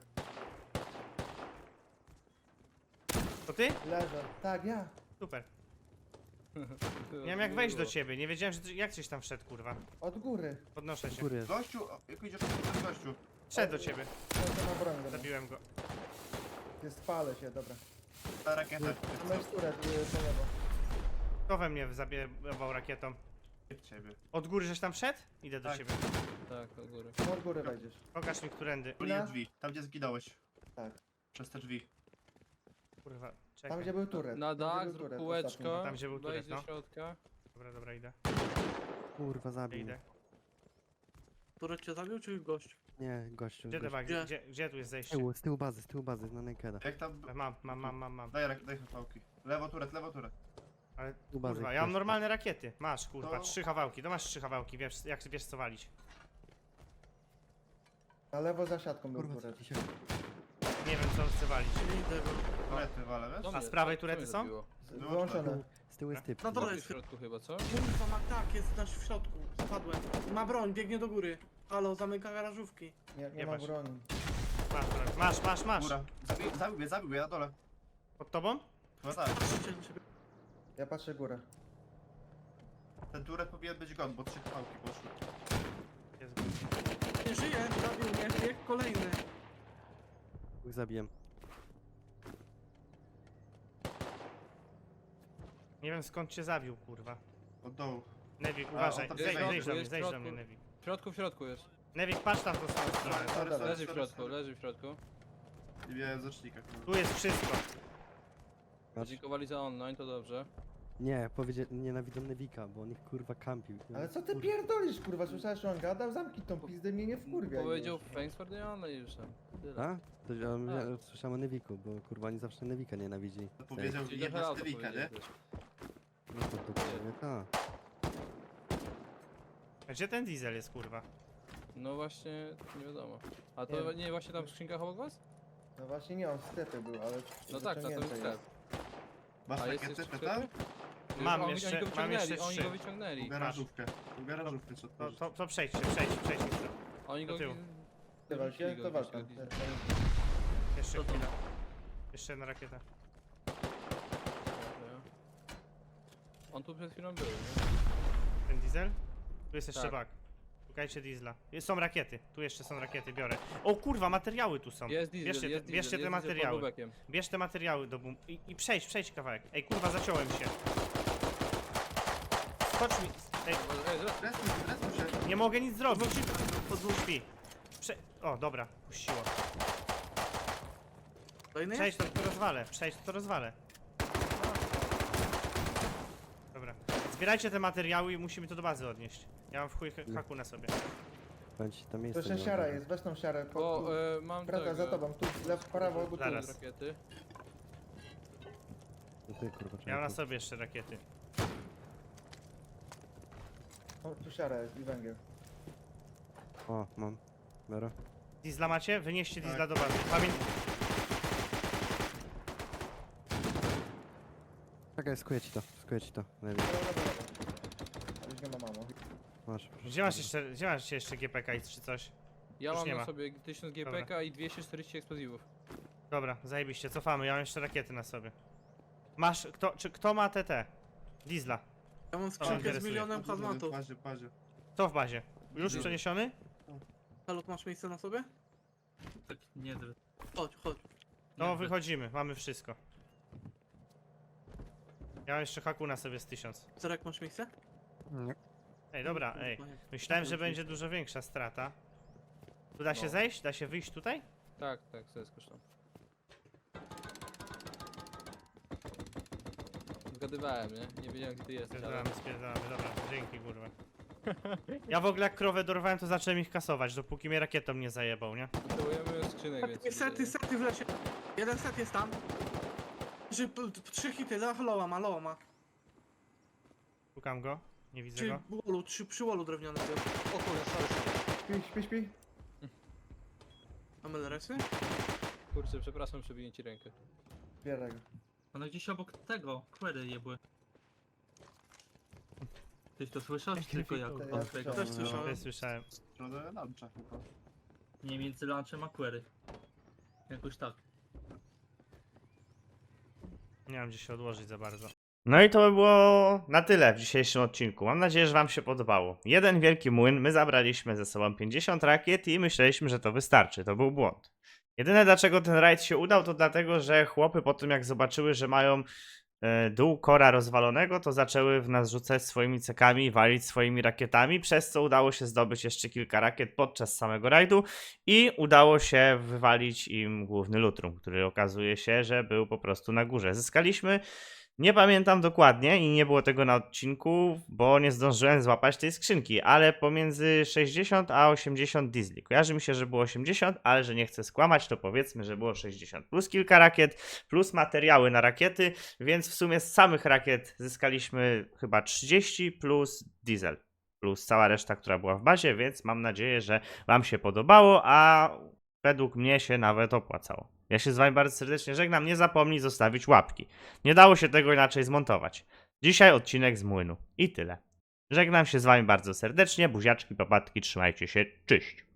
[SPEAKER 1] To ty?
[SPEAKER 3] Leżę. Tak, ja.
[SPEAKER 1] Super. Nie wiem jak wejść do ciebie, nie wiedziałem, że ty, jak gdzieś tam wszedł, kurwa.
[SPEAKER 3] Od góry.
[SPEAKER 1] Podnoszę się.
[SPEAKER 4] Góry.
[SPEAKER 7] Gościu, o, jak idziesz, to jest gościu.
[SPEAKER 1] Wszedł do ciebie.
[SPEAKER 3] To na broń. dobra.
[SPEAKER 1] Zabiłem go.
[SPEAKER 3] Jest, spalę się, dobra.
[SPEAKER 7] Ta rakieta.
[SPEAKER 3] Tam jest turet, y, po lewo.
[SPEAKER 1] Kto we mnie zabiewał rakietą?
[SPEAKER 7] W ciebie.
[SPEAKER 1] Od góry żeś tam wszedł? Idę do
[SPEAKER 7] Tak.
[SPEAKER 1] ciebie.
[SPEAKER 5] Tak, do góry.
[SPEAKER 3] No, od góry wejdziesz.
[SPEAKER 1] Pokaż mi którędy.
[SPEAKER 7] Tu nie drzwi, tam gdzie zginąłeś.
[SPEAKER 3] Tak.
[SPEAKER 7] Przez te drzwi.
[SPEAKER 1] Kurwa,
[SPEAKER 3] Tam
[SPEAKER 1] czekaj.
[SPEAKER 3] gdzie był turet.
[SPEAKER 5] Na
[SPEAKER 3] Tam, gdzie
[SPEAKER 5] dach,
[SPEAKER 3] był
[SPEAKER 5] zrób
[SPEAKER 3] turet
[SPEAKER 5] kółeczko,
[SPEAKER 3] ostatni.
[SPEAKER 1] Tam, gdzie był
[SPEAKER 5] wejdź
[SPEAKER 1] turet,
[SPEAKER 5] do
[SPEAKER 1] no.
[SPEAKER 5] środka.
[SPEAKER 1] Dobra, dobra, idę.
[SPEAKER 4] Kurwa,
[SPEAKER 1] Gdzie
[SPEAKER 4] zabił
[SPEAKER 1] idę?
[SPEAKER 4] mnie.
[SPEAKER 6] Turet cię zabił, czy gość?
[SPEAKER 4] Nie, gościu.
[SPEAKER 1] Gdzie te
[SPEAKER 4] gościu.
[SPEAKER 1] bagi?
[SPEAKER 6] Gdzie?
[SPEAKER 1] Gdzie, gdzie tu jest
[SPEAKER 4] Z
[SPEAKER 1] zejście?
[SPEAKER 4] tyłu, z tyłu bazy, z tyłu bazy, na Nakeda.
[SPEAKER 7] Jak tam...
[SPEAKER 1] Mam, mam, mam, mam, mam.
[SPEAKER 7] Daj, rak- daj chwałki. Lewo turet, lewo turet.
[SPEAKER 1] Ale
[SPEAKER 4] Tu bazy
[SPEAKER 1] kurwa, ja mam
[SPEAKER 4] ktoś.
[SPEAKER 1] normalne rakiety. Masz, kurwa,
[SPEAKER 7] To-
[SPEAKER 1] trzy kawałki. To masz trzy kawałki, wiesz, jak wiesz co walić.
[SPEAKER 3] Na lewo za siatką był
[SPEAKER 4] Kurwa,
[SPEAKER 3] turet.
[SPEAKER 4] co się...
[SPEAKER 1] Nie wiem co chcę walić.
[SPEAKER 6] Nie idę go.
[SPEAKER 7] Turety walę, wiesz?
[SPEAKER 5] Co
[SPEAKER 1] A
[SPEAKER 5] mnie-
[SPEAKER 1] z prawej
[SPEAKER 5] co
[SPEAKER 1] turety
[SPEAKER 5] mnie
[SPEAKER 1] są?
[SPEAKER 5] zabiło?
[SPEAKER 3] Wyłączone.
[SPEAKER 4] Z tyłu jest typ.
[SPEAKER 6] Na dole
[SPEAKER 5] W
[SPEAKER 6] jest.
[SPEAKER 5] środku chyba, co?
[SPEAKER 6] Kurwa, ma tak, jest nasz w środku. Spadłem. Ma broń, biegnie do góry. Halo, zamyka garażówki.
[SPEAKER 3] Nie, nie
[SPEAKER 1] Nie
[SPEAKER 3] ma
[SPEAKER 1] masz.
[SPEAKER 3] broni.
[SPEAKER 1] Masz, broń. masz, masz, masz.
[SPEAKER 7] Góra. Zabił, zabił mnie, zabił mnie na dole.
[SPEAKER 1] Pod tobą?
[SPEAKER 7] Chyba tak.
[SPEAKER 6] Patrzcie na siebie.
[SPEAKER 3] Ja patrzę górę.
[SPEAKER 7] Ten turet powinien być gon, bo trzy chwałki poszły.
[SPEAKER 1] Jest.
[SPEAKER 6] Nie żyje, zabił mnie, bieg kolejny.
[SPEAKER 4] Dwóch zabiłem.
[SPEAKER 1] Nie wiem skąd cię zabił, kurwa.
[SPEAKER 7] Od dołu.
[SPEAKER 1] Nevik,
[SPEAKER 7] A,
[SPEAKER 1] uważaj,
[SPEAKER 7] on tam
[SPEAKER 1] zejdź,
[SPEAKER 7] jest w
[SPEAKER 1] zejdź do mnie,
[SPEAKER 5] jest w
[SPEAKER 1] zejdź do
[SPEAKER 5] środku.
[SPEAKER 1] mnie, Nevik.
[SPEAKER 5] W środku, w środku jest.
[SPEAKER 1] Nevik, patrz tam w tą samą stronę.
[SPEAKER 7] Sorry,
[SPEAKER 3] dobra.
[SPEAKER 7] sorry,
[SPEAKER 5] Leży w
[SPEAKER 7] sorry,
[SPEAKER 5] środku,
[SPEAKER 7] sorry.
[SPEAKER 5] leży w środku.
[SPEAKER 7] Nie miałem zacznika, kurwa.
[SPEAKER 1] Tu jest wszystko.
[SPEAKER 4] Patrz.
[SPEAKER 5] Dziękowali za online, to dobrze.
[SPEAKER 4] Nie, powiedział, nienawidzą Nevika, bo on ich kurwa kampił.
[SPEAKER 3] Ale co ty
[SPEAKER 4] Kurwa.
[SPEAKER 3] pierdolisz, kurwa? Słyszałeś, że on gadał? Zamknij tą pizdę, mnie nie wkurwia.
[SPEAKER 5] Powiedział thanks for the online już tam. Tyle.
[SPEAKER 4] A? To ja,
[SPEAKER 5] Tak.
[SPEAKER 4] ja słyszałem o Neviku, bo kurwa oni zawsze Nevika nienawidzi.
[SPEAKER 7] To powiedział
[SPEAKER 5] Czyli
[SPEAKER 7] jedna
[SPEAKER 5] trochę
[SPEAKER 7] z Nevika, nie?
[SPEAKER 5] powiedzieli też.
[SPEAKER 4] No to dokładnie tak.
[SPEAKER 1] A gdzie ten diesel jest, kurwa?
[SPEAKER 5] No właśnie, nie wiadomo. A to
[SPEAKER 3] Nie wiem.
[SPEAKER 5] nie właśnie tam w skrzynkach obok was?
[SPEAKER 3] No właśnie nie, on w sklepie był, ale...
[SPEAKER 5] No tak, tak, to jest
[SPEAKER 3] wyciągnięte
[SPEAKER 5] sklep.
[SPEAKER 7] Masz
[SPEAKER 5] A jest
[SPEAKER 7] rakiety,
[SPEAKER 5] jeszcze w
[SPEAKER 7] pytam?
[SPEAKER 5] sklepie?
[SPEAKER 1] Mam
[SPEAKER 5] oni,
[SPEAKER 1] jeszcze-
[SPEAKER 5] oni go
[SPEAKER 1] mam
[SPEAKER 5] wyciągnęli,
[SPEAKER 1] jeszcze
[SPEAKER 5] oni
[SPEAKER 1] trzy.
[SPEAKER 5] go wyciągnęli.
[SPEAKER 7] Garażówkę. Garażówkę trzeba
[SPEAKER 1] To,
[SPEAKER 7] otworzyć.
[SPEAKER 1] to, to przejdźcie, przejdźcie, przejdźcie chwilę.
[SPEAKER 5] Oni
[SPEAKER 1] Do
[SPEAKER 5] go...
[SPEAKER 1] tyłu.
[SPEAKER 3] Ty walcie,
[SPEAKER 5] wyrzucili
[SPEAKER 3] to
[SPEAKER 5] go gdzieś
[SPEAKER 3] walka.
[SPEAKER 5] do diesla.
[SPEAKER 1] Jeszcze
[SPEAKER 6] To to.
[SPEAKER 1] chwilę. Jeszcze jedna rakieta.
[SPEAKER 5] On tu przed chwilą był, nie?
[SPEAKER 1] Ten diesel? Tu jest jeszcze
[SPEAKER 5] Tak.
[SPEAKER 1] bak. Szukajcie diesla. Jest- Są rakiety. Tu jeszcze są rakiety, biorę. O kurwa, materiały tu są.
[SPEAKER 5] Jest diesel,
[SPEAKER 1] bierzcie,
[SPEAKER 5] jest
[SPEAKER 1] te,
[SPEAKER 5] diesel,
[SPEAKER 1] bierzcie
[SPEAKER 5] jest
[SPEAKER 1] te
[SPEAKER 5] diesel pod
[SPEAKER 1] materiały.
[SPEAKER 5] lubekiem.
[SPEAKER 1] Bierz te materiały do bum... I, I przejdź, przejdź kawałek. Ej kurwa, zaciąłem się. Skocz mi. Ej,
[SPEAKER 5] Ej, zaraz,
[SPEAKER 7] Restuj się, restuj się.
[SPEAKER 1] nie mogę nic zrobić. Pod dwóch śpi. Prze... O, dobra, puściło.
[SPEAKER 6] Kolejny
[SPEAKER 1] Przejdź
[SPEAKER 6] jest?
[SPEAKER 1] to, to rozwalę. Przejdź to, to rozwalę. Dobra. Zbierajcie te materiały i musimy to do bazy odnieść. Ja mam w chuj ha- haku na sobie.
[SPEAKER 4] Będzie tam
[SPEAKER 3] To
[SPEAKER 4] miejsce.
[SPEAKER 3] jeszcze
[SPEAKER 4] nie ma
[SPEAKER 3] siara
[SPEAKER 4] dużo.
[SPEAKER 3] jest, weź tą siarę. Po,
[SPEAKER 5] Bo e, mam
[SPEAKER 3] Wraca
[SPEAKER 5] tego.
[SPEAKER 3] za tobą, tu, lew, prawo, albo tu.
[SPEAKER 1] Zaraz.
[SPEAKER 5] Rakiety.
[SPEAKER 4] No ty, kurwa,
[SPEAKER 1] Miał na
[SPEAKER 4] człowieku.
[SPEAKER 1] sobie jeszcze rakiety.
[SPEAKER 3] O, tu siara jest i węgiel.
[SPEAKER 4] O, mam. Dobra.
[SPEAKER 1] Diesla macie? Wynieście
[SPEAKER 7] Tak.
[SPEAKER 1] diesla do bazy. Pamię...
[SPEAKER 4] Czekaj, skuję ci to, skuję ci to. Najlepiej.
[SPEAKER 3] Dobra, dobra, dobra. Już nie ma mamo.
[SPEAKER 4] Masz.
[SPEAKER 1] Gdzie masz jeszcze, gdzie masz jeszcze G P K i czy coś?
[SPEAKER 5] Ja
[SPEAKER 1] Już
[SPEAKER 5] mam
[SPEAKER 1] nie
[SPEAKER 5] na
[SPEAKER 1] ma.
[SPEAKER 5] sobie tysiąc G P K i dwieście czterdzieści eksplozywów.
[SPEAKER 1] Dobra, zajebiście, cofamy, ja mam jeszcze rakiety na sobie. Masz, kto, czy kto ma T T? Diesla.
[SPEAKER 6] Ja mam
[SPEAKER 1] mnie
[SPEAKER 6] skrzynkę z
[SPEAKER 1] interesuje.
[SPEAKER 6] milionem
[SPEAKER 7] W
[SPEAKER 6] hazmatów.
[SPEAKER 7] bazie, w bazie.
[SPEAKER 1] Kto w bazie? Już
[SPEAKER 7] Nie.
[SPEAKER 1] przeniesiony?
[SPEAKER 6] Halo, masz miejsce na sobie?
[SPEAKER 2] Tak, nie drę.
[SPEAKER 6] Chodź, chodź.
[SPEAKER 1] No
[SPEAKER 2] Nie drę.
[SPEAKER 1] wychodzimy, mamy wszystko. Ja mam jeszcze haku na sobie z tysiąc.
[SPEAKER 6] Zerek, masz miejsce?
[SPEAKER 1] Ej, dobra, ej. Myślałem, że będzie dużo większa strata. Tu da się
[SPEAKER 5] No.
[SPEAKER 1] zejść? Da się wyjść tutaj?
[SPEAKER 5] Tak, tak, to jest kosztą. Zgadywałem, nie? Nie wiedziałem gdzie ty jesteś, ale...
[SPEAKER 1] Spierdalamy, spierdalamy, dobra, dzięki kurwa. Ja w ogóle jak krowę dorwałem, to zacząłem ich kasować, dopóki mnie rakietą nie zajebał, nie?
[SPEAKER 5] Potrzebujemy skrzynek
[SPEAKER 6] Sety,
[SPEAKER 5] więcej.
[SPEAKER 6] sety, sety w lesie. Jeden set jest tam. Trzy, p- p- trzy hity, la- loa ma, loa ma.
[SPEAKER 1] Szukam go, nie widzę
[SPEAKER 6] Przy
[SPEAKER 1] go.
[SPEAKER 6] wallu, trzy, przy wallu drewnianym jest.
[SPEAKER 8] O kurde, sorry, sorry.
[SPEAKER 3] Śpi, śpi, śpi.
[SPEAKER 6] Mamy leresy?
[SPEAKER 5] Kurczę, przepraszam, przebiję ci rękę.
[SPEAKER 3] Bierę go.
[SPEAKER 2] One gdzieś obok tego, query jebły. Tyś to słyszał, czy tylko ja?
[SPEAKER 3] To ja
[SPEAKER 2] od tego?
[SPEAKER 6] Też
[SPEAKER 3] No.
[SPEAKER 6] słyszałem.
[SPEAKER 1] Też słyszałem.
[SPEAKER 7] W stronę luncha chyba.
[SPEAKER 2] Nie, między lunchem a query. Jakoś tak.
[SPEAKER 1] Nie mam gdzie się odłożyć za bardzo. No i to by było na tyle w dzisiejszym odcinku. Mam nadzieję, że wam się podobało. Jeden wielki młyn, my zabraliśmy ze sobą pięćdziesiąt rakiet i myśleliśmy, że to wystarczy. To był błąd. Jedyne dlaczego ten rajd się udał, to dlatego, że chłopy po tym jak zobaczyły, że mają e, dół kora rozwalonego, to zaczęły w nas rzucać swoimi cekami i walić swoimi rakietami, przez co udało się zdobyć jeszcze kilka rakiet podczas samego rajdu i udało się wywalić im główny lutrum, który okazuje się, że był po prostu na górze. Zyskaliśmy, nie pamiętam dokładnie i nie było tego na odcinku, bo nie zdążyłem złapać tej skrzynki, ale pomiędzy sześćdziesiąt a osiemdziesiąt diesli. Kojarzy mi się, że było osiemdziesiąt, ale że nie chcę skłamać, to powiedzmy, że było sześćdziesiąt. Plus kilka rakiet, plus materiały na rakiety, więc w sumie z samych rakiet zyskaliśmy chyba trzydzieści plus diesel. Plus cała reszta, która była w bazie, więc mam nadzieję, że wam się podobało, a według mnie się nawet opłacało. Ja się z wami bardzo serdecznie żegnam, nie zapomnij zostawić łapki. Nie dało się tego inaczej zmontować. Dzisiaj odcinek z młynu. I tyle. Żegnam się z wami bardzo serdecznie, buziaczki, papatki, trzymajcie się, cześć.